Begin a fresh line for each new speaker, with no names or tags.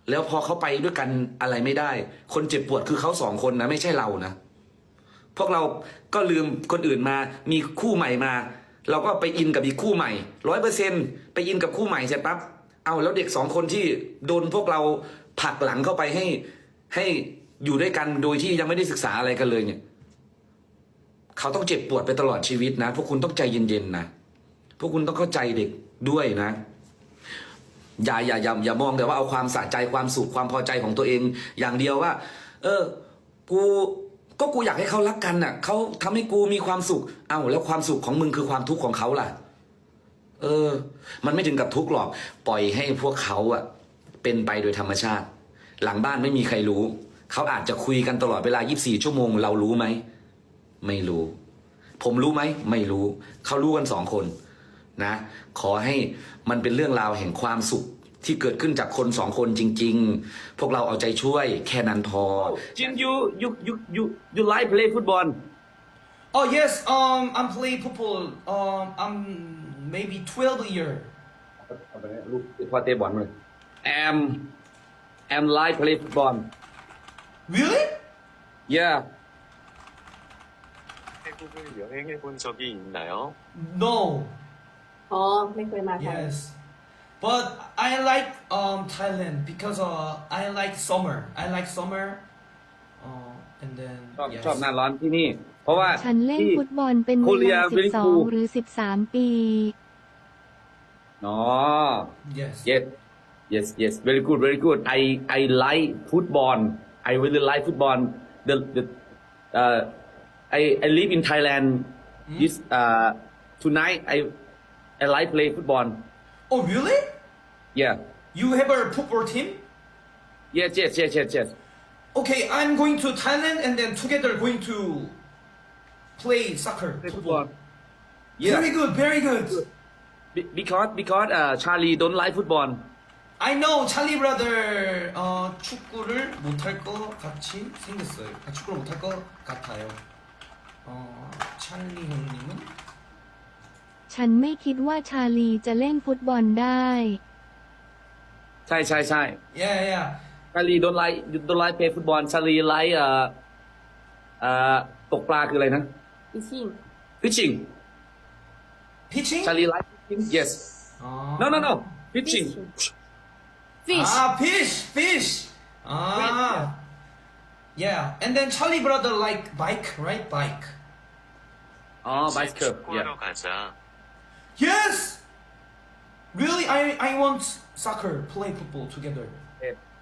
แล้วพอเขาไปด้วยกันอะไรไม่ได้ คนเจ็บปวดคือเขาสองคนนะไม่ใช่เรานะพวกเราก็ลืมคนอื่นมามีคู่ใหม่มา เราก็ไปอินกับอีกคู่ใหม่100%ไปอินกับคู่ใหม่เสร็จปั๊บเอาแล้วเด็กสองคนที่โดนพวกเราผลักหลังเข้าไปให้อยู่ด้วยกันโดยที่ยังไม่ได้ศึกษาอะไรกันเลยเนี่ยเขาต้องเจ็บปวดไปตลอดชีวิตนะพวกคุณต้องใจเย็นๆนะพวกคุณต้องเข้าใจเด็กด้วยนะอย่ามองแต่ว่าเอาความสะใจความสุขความพอใจของตัวเองอย่างเดียวว่า กูอยากให้เขารักกันน่ะเขาทำให้กูมีความสุขเอ้าแล้วความสุขของมึงคือความทุกข์ของเขาล่ะมันไม่ถึงกับทุกข์หรอกปล่อยให้พวกเขาเป็นไปโดยธรรมชาติหลังบ้านไม่มีใครรู้เขาอาจจะคุยกันตลอดเวลา24ชั่วโมงเรารู้ไหมไม่รู้ผมรู้ไหมไม่รู้เขารู้กัน2 คนนะขอให้มันเป็นเรื่องราวแห่งความสุขที่เกิดขึ้นจากคน2 คนจริงๆพวกเราเอาใจช่วยแค่นั้นพอจินyou like play football
Oh yes, I'm play football. I'm maybe 12 year.
ลูกพอเตะบอลเลยam like play football
Really?
yeah
태국을 여행해 본 적이 있나요?
No.
อ๋อไม่เคยมาไทย
Yes. But I like Thailand because I like summer. I like summer. And then
ชอบหน้าร้อนที่นี่ เพราะว่า
ฉันเล่นฟุตบอลเป็นเวลา12 หรือ 13 ปี
อ๋อ
Yes.
yes very good I like football I really like football the I live in Thailand this tonight I like play football
Oh really?
yeah
You have a football team?
yes
Okay, I'm going to Thailand and then together going to play soccer. Football.
yeah
Very good.
because Charlie don't like football
I know 찰리 브라더 축구를 못할 것 같이 생겼어요. 축구를 못할 것 같아요. 찰리 형님은
ฉันไม่คิดว่าชาลีจะเล่นฟุตบอลได้
ใช่
yeah.
Charlie don't like play football Charlie like ตกปลาคืออะไรนะ
อีชิง
fishing
Pitching?
Charlie like fishing yes no fishing
fish
fish. Yeah. And then Charlie brother like bike, right? Bike.
อ๋อ bicycle
축구하러
yeah
가자.
Yes. Really, I want soccer, play football together.